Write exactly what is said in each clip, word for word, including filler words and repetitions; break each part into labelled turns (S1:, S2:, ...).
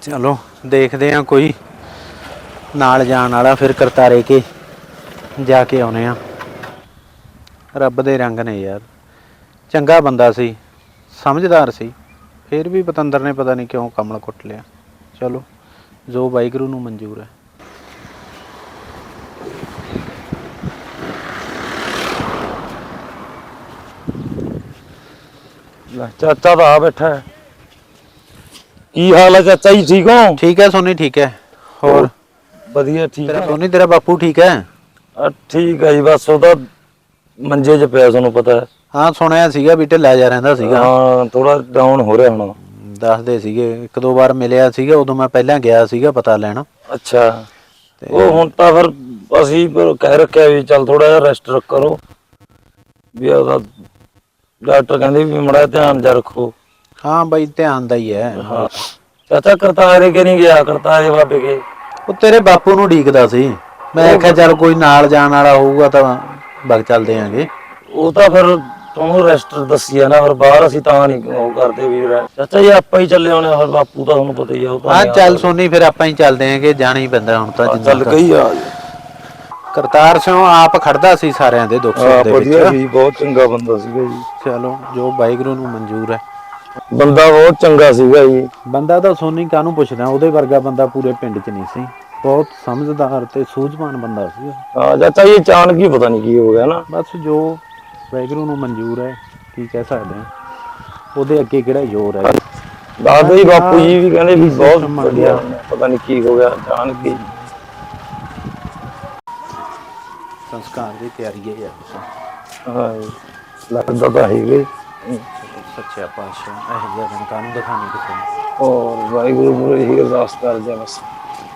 S1: चलो देखते हैं कोई नाल जान वाला फिर करतारे के जाके आने। रब दे रंग ने यार, चंगा बंदा सी, समझदार सी, फिर भी पतंदर ने पता नहीं क्यों कमल कुट लिया। चलो जो वाहिगुरू नूं मंजूर है।
S2: चाचा तो आ बैठा है। की हाल है चाचा जी, ठीक हो?
S1: ठीक है सोनी, ठीक है। और
S2: बढ़िया ठीक
S1: तेरा
S2: है
S1: सोनी, तेरा बापू ठीक है?
S2: ठीक है जी, बस वो तो मंजे च पिया, ਤੁਹਾਨੂੰ ਪਤਾ ਹੈ।
S1: हाँ सुनिया सीगा भी ढिला जा रहिंदा सीगा।
S2: हाँ थोड़ा डाउन हो रहा ਹੁਣ।
S1: ਦੱਸਦੇ ਸੀਗੇ ਇੱਕ ਦੋ ਵਾਰ ਮਿਲਿਆ ਸੀਗਾ, ਉਦੋਂ ਮੈਂ ਪਹਿਲਾਂ ਗਿਆ ਸੀਗਾ ਪਤਾ ਲੈਣ।
S2: ਅੱਛਾ ਉਹ ਹੁਣ ਤਾਂ ਫਿਰ ਅਸੀਂ ਕਹਿ ਰੱਖਿਆ ਵੀ ਚੱਲ ਥੋੜਾ ਜਿਹਾ ਰੈਸਟ ਕਰੋ, ਵੀ ਉਹਦਾ ਡਾਕਟਰ ਕਹਿੰਦੇ ਵੀ ਮੜਾ ਧਿਆਨ ਜਾ ਰੱਖੋ।
S1: ਹਾਂ ਬਾਈ ਧਿਆਨ ਦਾ ਹੀ ਹੈ।
S2: ਹਾਂ ਚਾਚਾ ਕਰਤਾਰੇ ਕਿ ਨਹੀਂ ਗਿਆ? ਕਰਤਾਰੇ ਬਾਬੇ ਕੇ
S1: ਉਹ ਤੇਰੇ ਬਾਪੂ ਨੂੰ ਢੀਕਦਾ ਸੀ, ਮੈਂ ਆਖਿਆ ਚੱਲ ਕੋਈ ਨਾਲ ਜਾਣ ਵਾਲਾ ਹੋਊਗਾ ਤਾਂ ਬਗ ਚੱਲਦੇ ਆਂਗੇ।
S2: ਉਹ ਤਾਂ ਫਿਰ ਤੁਹਾਨੂੰ ਰੈਸਟ ਦੱਸੀ ਆ ਨਾ, ਫਿਰ ਬਾਹਰ ਅਸੀਂ ਤਾਂ ਨਹੀਂ ਉਹ ਕਰਦੇ ਵੀ ਚਾਚਾ ਜੀ ਆਪਾਂ ਹੀ ਚੱਲੇ ਆਉਣੇ, ਫਿਰ ਬਾਪੂ ਤਾਂ ਤੁਹਾਨੂੰ ਪਤਾ ਹੀ ਆ। ਉਹ
S1: ਹਾਂ ਚੱਲ ਸੋਨੀ ਫਿਰ ਆਪਾਂ ਹੀ ਚੱਲਦੇ ਆਂਗੇ, ਜਾਣਾ ਹੀ ਪੈਂਦਾ ਹੁਣ ਤਾਂ।
S2: ਚੱਲ ਗਈ ਆ
S1: ਕਰਤਾਰ ਸਿੰਘ ਆਪ ਖੜਦਾ ਸੀ ਸਾਰਿਆਂ ਦੇ ਦੁੱਖ ਸੁੱਖ ਦੇ ਵਿੱਚ।
S2: ਵਧੀਆ ਸੀ, ਬਹੁਤ ਚੰਗਾ ਬੰਦਾ ਸੀਗਾ ਜੀ।
S1: ਚਲੋ ਜੋ ਵਾਹਿਗੁਰੂ ਨੂੰ ਮਨਜ਼ੂਰ ਹੈ।
S2: ਬੰਦਾ ਬਹੁਤ ਚੰਗਾ ਸੀਗਾ ਜੀ।
S1: ਬੰਦਾ ਤਾਂ ਸੋਨੀ ਕਾਹਨੂੰ ਪੁੱਛਦਾ, ਉਹਦੇ ਵਰਗਾ ਬੰਦਾ ਪੂਰੇ ਪਿੰਡ 'ਚ ਨਹੀਂ ਸੀ। ਬਹੁਤ ਸਮਝਦਾਰ ਤੇ ਸੂਝਵਾਨ ਬੰਦਾ ਸੀ।
S2: ਹਾਂ ਚਾਚਾ ਜੀ ਅਚਾਨਕ ਹੀ ਪਤਾ ਨਹੀਂ ਕੀ ਹੋ ਗਿਆ ਨਾ, ਬਸ
S1: ਜੋ ਵਾਹਿਗੁਰੂ ਨੂੰ ਮਨਜ਼ੂਰ ਹੈ, ਕੀ ਕਹਿ ਸਕਦੇ ਹਾਂ, ਉਹਦੇ ਅੱਗੇ ਕਿਹੜਾ ਜ਼ੋਰ ਹੈ।
S2: ਦਾਦਾ ਜੀ ਬਾਪੂ ਜੀ ਵੀ ਕਹਿੰਦੇ ਵੀ ਬਹੁਤ ਵਧੀਆ, ਪਤਾ ਨਹੀਂ ਕੀ ਹੋ ਗਿਆ ਅਚਾਨਕ ਹੀ।
S1: ਸੰਸਕਾਰ ਦੀ ਤਿਆਰੀ ਹੈ ਯਾਰ।
S2: ਹਾਂ ਲੱਗਦਾ ਤਾਂ ਹੈਗਾ
S1: ਸੱਚਾ ਪਾਤਸ਼ਾਹ ਇਹੋ ਜਿਹਾ ਦਿਨ ਕਾਹਨੂੰ ਦਿਖਾਣੇ ਕਿਸੇ ਨੂੰ।
S2: ਔਰ ਵਾਹਿਗੁਰੂ ਮੂਹਰੇ ਇਹੀ ਅਰਦਾਸ ਕਰਦੇ ਆ ਬਸ।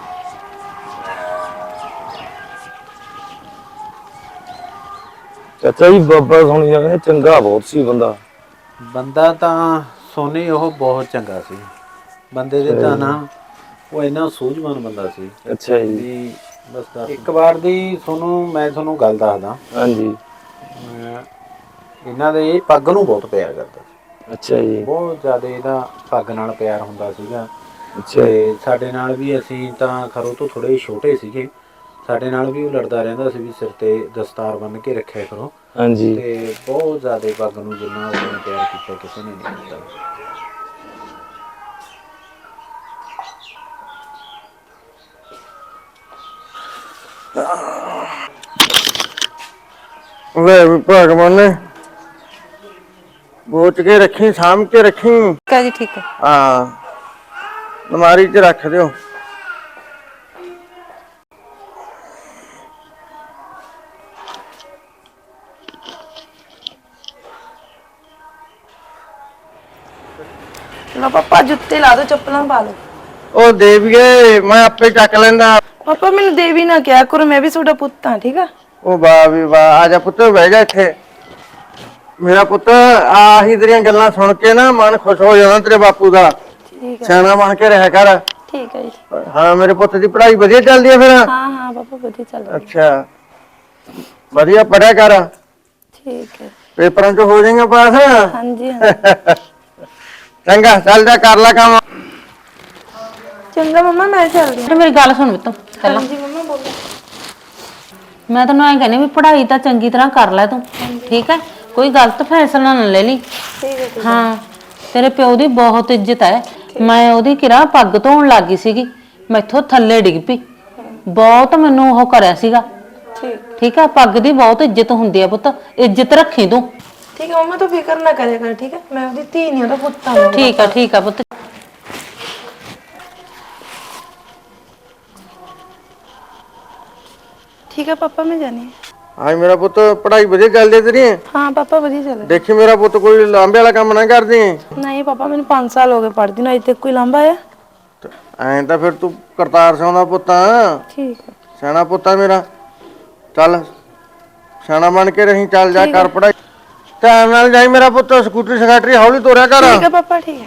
S2: ਚਾਚਾ ਜੀ ਬਾਬਾ ਸੁਣੀ ਜਾਂਦੇ ਚੰਗਾ ਬਹੁਤ ਸੀ ਬੰਦਾ।
S1: ਬੰਦਾ ਤਾਂ ਸੋਨੀ ਉਹ ਬਹੁਤ ਚੰਗਾ ਸੀ। ਬੰਦੇ ਦੇ ਤਾਂ ਨਾ ਉਹ ਇੰਨਾ ਸੂਝਵਾਨ ਬੰਦਾ ਸੀ।
S2: ਅੱਛਾ ਜੀ।
S1: ਬਸ ਇੱਕ ਵਾਰ ਦੀ ਤੁਹਾਨੂੰ ਮੈਂ ਤੁਹਾਨੂੰ ਗੱਲ ਦੱਸਦਾ।
S2: ਹਾਂਜੀ
S1: ਇਹਨਾਂ ਦੇ ਇਹ ਪੱਗ ਨੂੰ ਬਹੁਤ ਪਿਆਰ ਕਰਦਾ ਸੀ।
S2: ਅੱਛਾ ਜੀ।
S1: ਬਹੁਤ ਜ਼ਿਆਦਾ ਇਹਦਾ ਪੱਗ ਨਾਲ ਪਿਆਰ ਹੁੰਦਾ ਸੀਗਾ। ਤੇ ਸਾਡੇ ਨਾਲ ਵੀ ਅਸੀਂ ਤਾਂ ਖਰੋ ਤੋਂ ਥੋੜੇ ਛੋਟੇ ਸੀਗੇ, ਸਾਡੇ ਨਾਲ ਵੀ ਉਹ ਲੜਦਾ ਰਹਿੰਦਾ ਸੀ ਵੀ ਸਿਰ ਤੇ ਦਸਤਾਰ ਬੰਨ੍ਹ ਕੇ ਰੱਖਿਆ ਕਰੋ।
S2: ਹਾਂਜੀ
S1: ਤੇ ਬਹੁਤ ਜ਼ਿਆਦਾ ਪੱਗ ਨੂੰ ਜਿੰਨਾ ਉਹਨੇ ਪਿਆਰ ਕੀਤਾ ਕਿਸੇ ਨੇ ਨਹੀਂ ਕੀਤਾ।
S3: ਲੈ ਭਗਵਾਨ ਨੇ ਬੋਚ ਕੇ ਰੱਖੀ, ਸਾਂਭ ਕੇ ਰੱਖੀ।
S4: ਠੀਕ ਹੈ ਜੀ, ਠੀਕ ਹੈ।
S3: ਹਾਂ ਅਲਮਾਰੀ 'ਚ ਰੱਖ ਦਿਓ।
S4: ਲਓ ਪਾਪਾ ਜੁੱਤੇ ਲਾ ਦੋ, ਚੱਪਲਾਂ ਪਾ ਲਓ।
S3: ਉਹ ਦੇਵੀਏ ਮੈਂ ਆਪੇ ਚੱਕ ਲੈਂਦਾ।
S4: ਪਾਪਾ ਮੈਨੂੰ ਦੇਵੀ ਨਾ ਕਿਹਾ ਕਰੋ, ਮੈਂ ਵੀ ਤੁਹਾਡਾ ਪੁੱਤ ਹਾਂ, ਠੀਕ ਆ।
S3: ਉਹ ਵਾਹ ਵੀ ਵਾਹ, ਆ ਜਾ ਪੁੱਤ ਬਹਿ ਜਾ ਇੱਥੇ। ਮੇਰਾ ਪੁੱਤ ਆਹੀ ਤੇਰੀਆਂ ਗੱਲਾਂ ਸੁਣ ਕੇ ਨਾ ਮਨ ਖੁਸ਼ ਹੋ ਜਾਣਾ ਤੇਰੇ ਬਾਪੂ ਦਾ।
S4: ਠੀਕ ਹੈ,
S3: ਸਿਆਣਾ ਬਣ ਕੇ ਰਹਿ ਕਰ।
S4: ਠੀਕ ਹੈ ਜੀ।
S3: ਹਾਂ ਮੇਰੇ ਪੁੱਤ ਦੀ ਪੜ੍ਹਾਈ ਵਧੀਆ ਚੱਲਦੀ ਹੈ ਫਿਰ?
S4: ਹਾਂ ਹਾਂ ਪਾਪਾ ਵਧੀਆ ਚੱਲ ਰਹੀ।
S3: ਅੱਛਾ ਵਧੀਆ ਪੜ੍ਹਿਆ ਕਰ,
S4: ਠੀਕ ਹੈ।
S3: ਪੇਪਰਾਂ 'ਚ ਹੋ ਜਾਏਗਾ ਪਾਸ।
S4: ਹਾਂਜੀ ਹਾਂ
S3: ਚੰਗਾ ਚੱਲ ਜਾ ਕਰ ਲੈ ਕੰਮ।
S4: ਚੰਗਾ ਮੰਮਾ ਮੈਂ ਚੱਲਦੀ ਹਾਂ।
S5: ਮੇਰੀ ਗੱਲ ਸੁਣ ਬਿੱਤੋ ਪਹਿਲਾਂ।
S4: ਹਾਂਜੀ ਮੰਮਾ ਬੋਲੋ।
S5: ਮੈਂ ਤੈਨੂੰ ਐਂ ਕਹਿੰਦੀ ਵੀ ਪੜ੍ਹਾਈ ਤਾਂ ਚੰਗੀ ਤਰ੍ਹਾਂ ਕਰ ਲੈ ਤੂੰ, ਠੀਕ ਹੈ। ਕੋਈ ਗਲਤ ਫੈਸਲਾ ਨਾ ਲੈ ਲਈ।
S4: ਠੀਕ ਹੈ।
S5: ਹਾਂ ਤੇਰੇ ਪਿਓ ਦੀ ਬਹੁਤ ਇੱਜ਼ਤ ਹੈ। ਮੈਂ ਉਹਦੀ ਕਿਰਾ ਪੱਗ ਧੋਣ ਲੱਗ ਗਈ ਸੀਗੀ, ਮੈਥੋਂ ਥੱਲੇ ਡਿੱਗ ਪਈ, ਬਹੁਤ ਮੈਨੂੰ ਉਹ ਕਰਿਆ ਸੀਗਾ।
S4: ਠੀਕ
S5: ਠੀਕ ਹੈ, ਪੱਗ ਦੀ ਬਹੁਤ ਇੱਜ਼ਤ ਹੁੰਦੀ ਹੈ ਪੁੱਤ, ਇੱਜ਼ਤ ਰੱਖੀ ਤੂੰ।
S4: ਠੀਕ ਹੈ ਮੰਮਾ ਤੂੰ ਫਿਕਰ ਨਾ ਕਰਿਆ ਕਰ, ਠੀਕ ਹੈ। ਮੈਂ ਉਹਦੀ ਧੀ ਨਹੀਂ, ਉਹਦਾ ਪੁੱਤ ਹਾਂ।
S5: ਠੀਕ ਆ ਠੀਕ ਆ ਪੁੱਤ।
S4: ਠੀਕ ਹੈ ਪਾਪਾ ਮੈਂ ਜਾਣੀ ਹੈ।
S3: ਹਾਂ ਮੇਰਾ ਪੁੱਤ ਪੜ੍ਹਾਈ ਵਧੀਆ ਚੱਲਦੀ ਹੈ ਤੇਰੀ?
S4: ਹਾਂ ਪਾਪਾ ਵਧੀਆ ਚੱਲ ਰਿਹਾ।
S3: ਦੇਖੀ ਮੇਰਾ ਪੁੱਤ ਕੋਈ ਲਾਂਬੇ ਵਾਲਾ ਕੰਮ ਨਾ ਕਰਦੀ।
S4: ਨਹੀਂ ਪਾਪਾ ਮੈਨੂੰ ਪੰਜ ਸਾਲ ਹੋ ਗਏ ਪੜ੍ਹਦੀ ਨੂੰ, ਅਜੇ ਤੱਕ ਕੋਈ ਲਾਂਭਾ ਆਇਆ?
S3: ਐਂ ਤਾਂ ਫਿਰ ਤੂੰ ਕਰਤਾਰ ਸਿੰਘ ਦਾ ਪੁੱਤ ਆ।
S4: ਠੀਕ ਹੈ।
S3: ਸਿਆਣਾ ਪੁੱਤ ਆ ਮੇਰਾ। ਚੱਲ ਸਿਆਣਾ ਬਣ ਕੇ ਰਹੀ, ਚੱਲ ਜਾ ਕਰ ਪੜ੍ਹਾਈ ਧਿਆਨ ਨਾਲ ਜਾਈ ਮੇਰਾ ਪੁੱਤ। ਸਕੂਟਰੀ ਸਕਾਟਰੀ ਹੌਲੀ ਤੋਰਿਆ ਕਰ।
S4: ਠੀਕ ਹੈ ਪਾਪਾ, ਠੀਕ ਹੈ।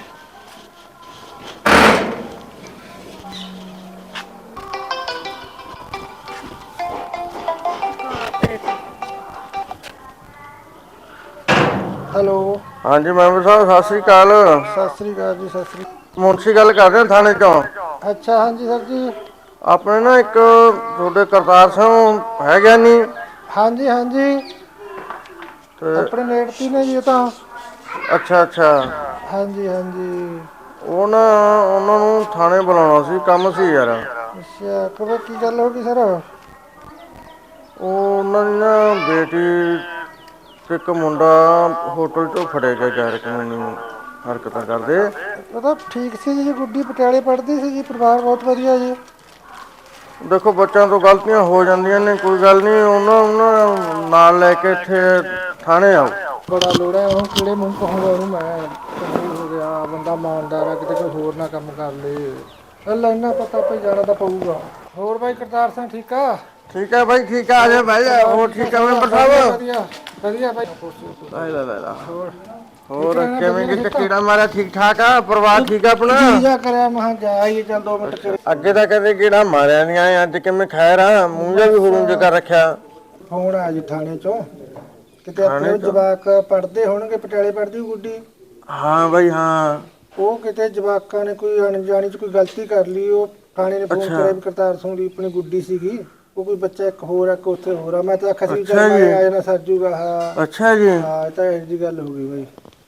S3: ਹੈਲੋ ਹਾਂਜੀ ਮੈਂਬਰ ਸਾਹਿਬ ਸਤਿ ਸ੍ਰੀ ਅਕਾਲ। ਸਤਿ ਸ੍ਰੀ ਅਕਾਲ ਜੀ। ਸਤਿ ਸ੍ਰੀ ਅਕਾਲ। ਮੁਨਸ਼ੀ ਗੱਲ ਕਰਦੇ ਥਾਣੇ ਚੋਂ। ਅੱਛਾ ਹਾਂਜੀ ਸਰ ਜੀ। ਆਪਣੇ ਨਾ ਇੱਕ ਤੁਹਾਡੇ ਕਰਤਾਰ ਸਿੰਘ ਹੈ ਗਿਆਨੀ। ਹਾਂਜੀ ਹਾਂਜੀ ਆਪਣੇ ਨੇੜਤੀ ਨੇ ਜੀ ਇਹ ਤਾਂ। ਅੱਛਾ ਅੱਛਾ ਹਾਂਜੀ ਹਾਂਜੀ। ਉਹ ਨਾ ਉਹਨਾਂ ਨੂੰ ਥਾਣੇ ਬੁਲਾਉਣਾ ਸੀ, ਕੰਮ ਸੀ ਯਾਰ। ਅੱਛਾ ਕਦੋਂ ਕੀ ਗੱਲ ਹੋ ਗਈ ਸਰ? ਉਹ ਉਹਨਾਂ ਦੀ ਨਾ ਬੇਟੀ ਤੇ ਇੱਕ ਮੁੰਡਾ ਹੋਟਲ 'ਚੋਂ ਫੜਿਆ ਗਿਆ ਗੈਰ ਕਾਨੂੰਨੀ ਹਰਕਤਾਂ ਕਰਦੇ। ਉਹ ਤਾਂ ਠੀਕ ਸੀ ਜੀ, ਗੁੱਡੀ ਪਟਿਆਲੇ ਪੜ੍ਹਦੀ ਸੀ ਜੀ, ਪਰਿਵਾਰ ਬਹੁਤ ਵਧੀਆ ਜੀ। ਦੇਖੋ ਬੱਚਿਆਂ ਤੋਂ ਗਲਤੀਆਂ ਹੋ ਜਾਂਦੀਆਂ ਨੇ, ਕੋਈ ਗੱਲ ਨਹੀਂ। ਉਹਨਾਂ ਉਹਨਾਂ ਨਾਲ ਲੈ ਕੇ ਇੱਥੇ ਥਾਣੇ ਆਓ। ਬੜਾ ਲੋੜਾ ਉਹਨੂੰ, ਕਿਹੜੇ ਮੂੰਹ ਕਹੂੰਗਾ ਉਹਨੂੰ ਮੈਂ। ਹੋ ਗਿਆ ਬੰਦਾ ਇਮਾਨਦਾਰ ਆ, ਕਿਤੇ ਕੋਈ ਹੋਰ ਨਾ ਕੰਮ ਕਰ ਲਏ। ਚੱਲ ਇੰਨਾ ਪਤਾ ਭਾਈ ਜਾਣਾ ਤਾਂ ਪਊਗਾ। ਹੋਰ ਬਾਈ ਕਰਤਾਰ ਸਿੰਘ ਠੀਕ ਆ? ਠੀਕ ਆ ਬਾਈ ਠੀਕ ਆ, ਆ ਜਾ ਬਹਿ ਜਾ। ਹੋਰ ਠੀਕ ਆ ਮੈਂਬਰ ਸਾਹਿਬ? ਵਧੀਆ ਵਧੀਆ ਬਾਈ। ਲੈ ਲੈ ਲੈ ਹੋਰ ਹੋਰ ਕਿਵੇਂ ਕਿ ਕੀੜਾ ਮਾਰਿਆ? ਠੀਕ ਠਾਕ ਆ? ਪਰਿਵਾਰ ਠੀਕ ਆ ਆਪਣਾ? ਜੀ ਜਾ ਕਰਿਆ ਮਹਾਂ ਜਾ ਆਈਏ ਚੱਲ ਦੋ ਮਿੰਟ। ਅੱਗੇ ਤਾਂ ਕਦੇ ਕੀੜਾ ਮਾਰਿਆ ਨਹੀਂ ਆਏ, ਅੱਜ ਕਿਵੇਂ ਖੈਰ ਆ? ਮੂੰਹ ਜਿਹਾ ਵੀ ਹੁਰੂੰਜ ਕਰ ਰੱਖਿਆ। ਫੋਨ ਆਇਆ ਜੀ ਥਾਣੇ ਚੋਂ, ਕਿਤੇ ਆਪਣੇ ਜਵਾਕ ਪੜ੍ਹਦੇ ਹੋਣਗੇ, ਪਟਿਆਲੇ ਪੜ੍ਹਦੀ ਗੁੱਡੀ। ਹਾਂ ਬਾਈ ਹਾਂ। ਉਹ ਕਿਤੇ ਜਵਾਕਾਂ ਨੇ ਕੋਈ ਅਣਜਾਣੀ ਚ ਕੋਈ ਗਲਤੀ ਕਰ ਲਈ। ਉਹ ਥਾਣੇ ਨੇ ਫੋਨ ਕਰਿਆ ਵੀ ਕਰਤਾਰ ਸਿੰਘ ਦੀ ਆਪਣੀ ਗੁੱਡੀ ਸੀਗੀ, ਉਹ ਕੋਈ ਬੱਚਾ ਇੱਕ ਹੋਰ ਆ, ਇੱਕ ਉੱਥੇ ਹੋਰ ਆ। ਮੈਂ ਤਾਂ ਆਖਿਆ ਸੀ ਚੱਲ ਮੈਂ ਆ ਜਾਣਾ ਸਰਜੂਗਾ। ਹਾਂ ਅੱਛਾ ਜੀ। ਹਾਂ ਇਹ ਤਾਂ ਇਹੋ ਜਿਹੀ ਗੱਲ ਹੋ ਗਈ ਬਾਈ।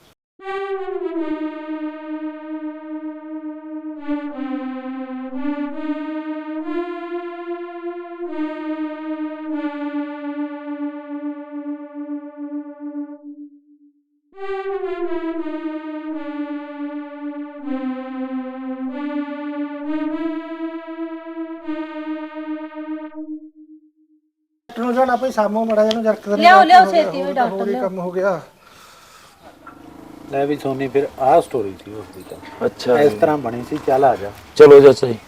S3: ਨੂੰ ਜਾਣਾ ਭਾਈ ਸਾਮੋ ਮੜਾ ਜਾਨੂੰ ਜਰਕ ਦੇ
S5: ਲਿਆਓ ਲਿਆਓ ਛੇਤੀ ਹੋਈ ਡਾਕਟਰ
S3: ਲਿਆਓ। ਕੰਮ ਹੋ ਗਿਆ।
S1: ਲੈ ਵੀ ਸੋਨੀ ਫਿਰ ਆਹ ਸਟੋਰੀ ਸੀ ਉਸ ਦੀ ਤਾਂ।
S2: ਅੱਛਾ
S1: ਇਸ ਤਰ੍ਹਾਂ ਬਣੀ ਸੀ। ਚੱਲ ਆ ਜਾ।
S2: ਚਲੋ ਚਾਚਾ ਜੀ।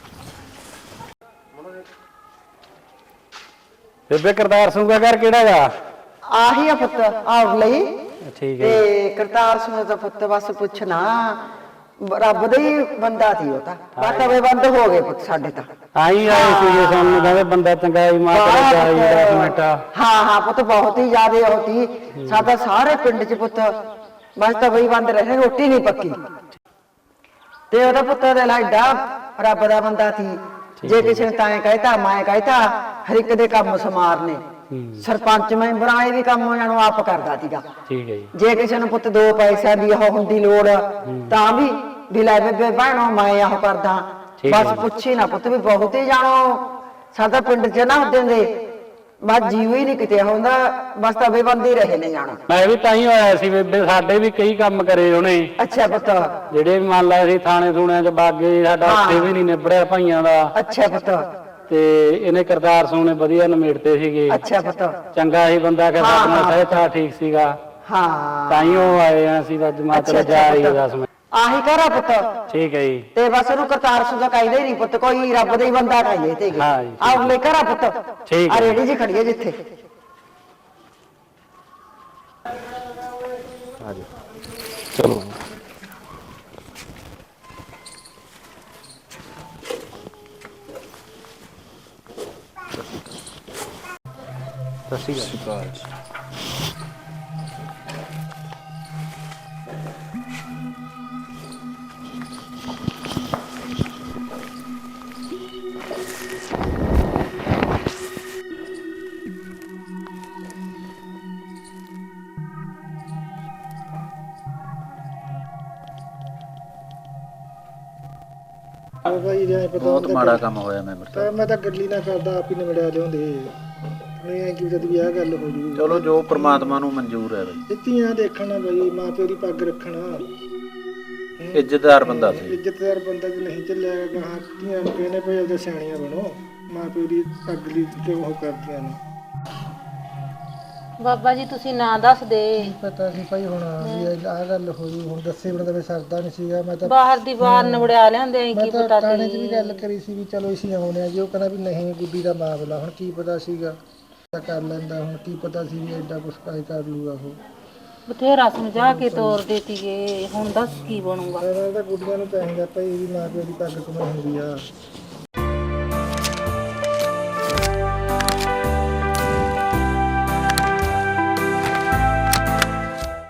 S1: ਬੇਬੇ ਕਰਤਾਰ ਸਿੰਘ ਦਾ ਘਰ ਕਿਹੜਾ ਗਾ?
S6: ਆਹੀ ਆ ਪੁੱਤ ਆਉ ਲਈ।
S1: ਠੀਕ ਹੈ।
S6: ਤੇ ਕਰਤਾਰ ਸਿੰਘ ਦਾ ਪੁੱਤ ਬਸ ਪੁੱਛਣਾ, ਰੱਬ ਦਾ ਹੀ ਬੰਦਾ ਸੀ ਉਹ ਤਾਂ। ਬਾਟਵੇ ਬੰਦ ਹੋ ਗਏ ਪੁੱਤ ਸਾਡੇ ਤਾਂ।
S1: ਆਈ ਆਏ ਸੀਗੇ ਸਾਨੂੰ, ਕਹਿੰਦੇ ਬੰਦਾ ਚੰਗਾ ਹੀ ਮਾਂ ਕੋਲ ਜਾਈ ਦਸ ਮਿੰਟ।
S6: ਹਾਂ ਹਾਂ ਪੁੱਤ ਬਹੁਤ ਹੀ ਜ਼ਿਆਦਾ ਹੋਤੀ। ਸਾਡਾ ਸਾਰੇ ਪਿੰਡ ਚ ਪੁੱਤ ਬਸ ਤਾਂ ਬਈ ਬੰਦ ਰਹੇ, ਰੋਟੀ ਨਹੀਂ ਪੱਕੀ। ਤੇ ਉਹਦਾ ਪੁੱਤ ਦੇ ਲਾਡਾ ਰੱਬ ਦਾ ਬੰਦਾ ਸੀ। ਜੇ ਕਿਸੇ ਨੇ ਤਾਂ ਕਹਿਤਾ ਮੈਂ ਕਹਿਤਾ, ਹਰ ਇੱਕ ਦੇ ਕੰਮ ਸਮਾਰਨੇ। ਸਰਪੰਚ ਮੈਂਬਰਾਂ ਇਹ ਵੀ ਕੰਮ ਉਹਨਾਂ ਨੂੰ ਆਪ ਕਰਦਾ ਸੀਗਾ।
S1: ਠੀਕ ਹੈ ਜੀ।
S6: ਜੇ ਕਿਸੇ ਨੂੰ ਪੁੱਤ ਦੋ ਪੈਸਿਆਂ ਦੀ ਉਹ ਹੁੰਦੀ ਲੋੜ ਤਾਂ ਵੀ ਵੀ ਲੈ ਬੇਬੇ ਭੈਣੋ ਮੈਂ ਉਹ ਕਰਦਾ। ਬਸ ਪੁੱਛੀ ਨਾ ਪੁੱਤ ਵੀ ਬਹੁਤ ਹੀ ਜਾਣੋ ਸਾਡਾ ਪਿੰਡ ਚ ਨਾ ਹੁੰਦੇ ਦੇ ਬਸ ਜੀਵ ਹੀ ਨਹੀਂ ਕਿਤੇ ਹੁੰਦਾ। ਬਸ ਤਾਂ ਬੇਬੰਦੀ ਰਹੇ ਨੇ ਜਾਣਾ।
S1: ਮੈਂ ਵੀ ਤਾਂ ਹੀ ਹੋਇਆ ਸੀ ਬੇਬੇ, ਸਾਡੇ ਵੀ ਕਈ ਕੰਮ ਕਰੇ ਉਹਨੇ।
S6: ਅੱਛਾ ਪੁੱਤ।
S1: ਜਿਹੜੇ ਵੀ ਮੰਨ ਲਾ ਅਸੀਂ ਥਾਣੇ ਥੂਣਿਆਂ ਚ ਬਾਗੇ, ਸਾਡਾ ਉੱਥੇ ਵੀ ਨਹੀਂ ਨਿਬੜਿਆ ਭਾਈਆਂ ਦਾ।
S6: ਅੱਛਾ ਪੁੱਤ।
S1: ਤੇ ਇਹਨੇ ਕਰਤਾਰ ਸਿੰਘ ਨੇ ਵਧੀਆ ਨਿਮੇੜਤੇ ਸੀਗੇ।
S6: ਅੱਛਾ ਪੁੱਤ।
S1: ਚੰਗਾ ਹੀ ਬੰਦਾ ਕਹਿੰਦਾ, ਆਪਣਾ ਸਹਿਤਾ ਠੀਕ ਸੀਗਾ।
S6: ਹਾਂ
S1: ਤਾਂ ਹੀ ਉਹ ਆਏ ਆ ਅਸੀਂ ਅੱਜ ਮਾਤਰ ਜਾ ਰਹੀ ਦਸ ਮਿੰਟ।
S6: ਆਹੀ ਕਰਾ ਪੁੱਤ।
S1: ਠੀਕ ਹੈ ਜੀ।
S6: ਤੇ ਬਸ ਉਹਨੂੰ ਕਰਤਾਰ ਸਿੰਘ ਦਾ ਕਹਿੰਦੇ ਨਹੀਂ ਪੁੱਤ, ਕੋਈ ਰੱਬ ਦਾ ਹੀ ਬੰਦਾ ਕਹਿੰਦੇ ਤੇ।
S1: ਹਾਂ ਜੀ।
S6: ਆਹ ਲੈ ਕਰਾ ਪੁੱਤ।
S1: ਠੀਕ ਹੈ।
S6: ਆ ਰੇੜੀ ਜੀ ਖੜੀ ਹੈ ਜਿੱਥੇ।
S2: ਚਲੋ
S1: ਸਤਿ ਸ਼੍ਰੀ ਅਕਾਲ।
S3: ਭਾਈ ਜੇ ਪਤਾ
S1: ਬਹੁਤ ਮਾੜਾ ਕੰਮ ਹੋਇਆ ਮੈਂਬਰ ਸਾਹਿਬ।
S3: ਤਾਂ ਮੈਂ ਤਾਂ ਗੱਲੀ ਨਾ ਕਰਦਾ, ਆਪ ਹੀ ਨਿਬੜਿਆ ਲਿਆਉਂਦੇ। ਨਹੀਂ ਐ ਕਿ ਜਦ ਵੀ ਆਹ ਗੱਲ ਹੋ ਜੂ।
S1: ਚਲੋ ਜੋ ਪ੍ਰਮਾਤਮਾ ਨੂੰ ਮਨਜ਼ੂਰ ਹੈ ਬਈ।
S3: ਧੀਆਂ ਦੇਖਣਾ ਬਈ, ਮਾਂ ਪਿਓ ਦੀ ਪੱਗ ਰੱਖਣਾ।
S1: ਇੱਜ਼ਤਦਾਰ ਬੰਦਾ ਸੀ।
S3: ਇੱਜ਼ਤਦਾਰ ਬੰਦਾ ਜੇ ਨਹੀਂ ਚੱਲਿਆ ਗਾਹਾਂ ਧੀਆਂ ਨੂੰ ਕਹਿੰਦੇ ਭਾਈ ਉਹਦੇ ਸਿਆਣੀਆਂ ਬਣੋ, ਮਾਂ ਪਿਓ ਦੀ ਪੱਗ ਲਈ ਕਿਉਂ ਉਹ ਕਰਦੀਆਂ ਨੇ।
S5: ਬਾਬਾ ਜੀ ਤੁਸੀਂ ਨਾ ਦੱਸ ਦੇ।
S3: ਪਤਾ ਸੀ ਭਾਈ ਹੁਣ ਵੀ ਆਹ ਗੱਲ ਹੋ ਜੂ। ਹੁਣ ਦੱਸੇ ਬਿਨਾਂ ਤਾਂ ਫਿਰ ਸਰਦਾ ਨਹੀਂ ਸੀਗਾ। ਮੈਂ ਤਾਂ
S5: ਬਾਹਰ ਦੀ ਬਾਹਰ ਨਵੜਿਆ ਲਿਆਂਦੇ ਆਂ, ਕੀ ਪਤਾ
S3: ਥਾਣੇ 'ਚ ਵੀ ਗੱਲ ਕਰੀ ਸੀ ਵੀ ਚਲੋ ਅਸੀਂ ਆਉਣੇ ਆ ਜੀ। ਉਹ ਕਹਿੰਦਾ ਵੀ ਨਹੀਂ ਗੁੱਡੀ ਦਾ ਮਾਮਲਾ, ਹੁਣ ਕੀ ਪਤਾ ਸੀਗਾ ਕਰ ਲੈਂਦਾ। ਹੁਣ ਕੀ ਪਤਾ ਸੀ ਵੀ ਐਡਾ ਕੁਛ ਕਾਇ ਕਰ ਲੂਗਾ ਉਹ।
S5: ਬਥੇਰਾ ਸਮਝਾ ਕੇ ਤੋਰ ਦੇਤੀਏ, ਹੁਣ ਦੱਸ ਕੀ ਬਣੂਗਾ।
S3: ਤਾਂ ਗੁੱਡੀਆਂ ਨੂੰ ਚਾਹੀਦਾ ਭਾਈ ਵੀ ਮਾਂ ਪਿਓ ਦੀ ਪੱਗ ਕਮਾਈ ਹੁੰਦੀ ਆ।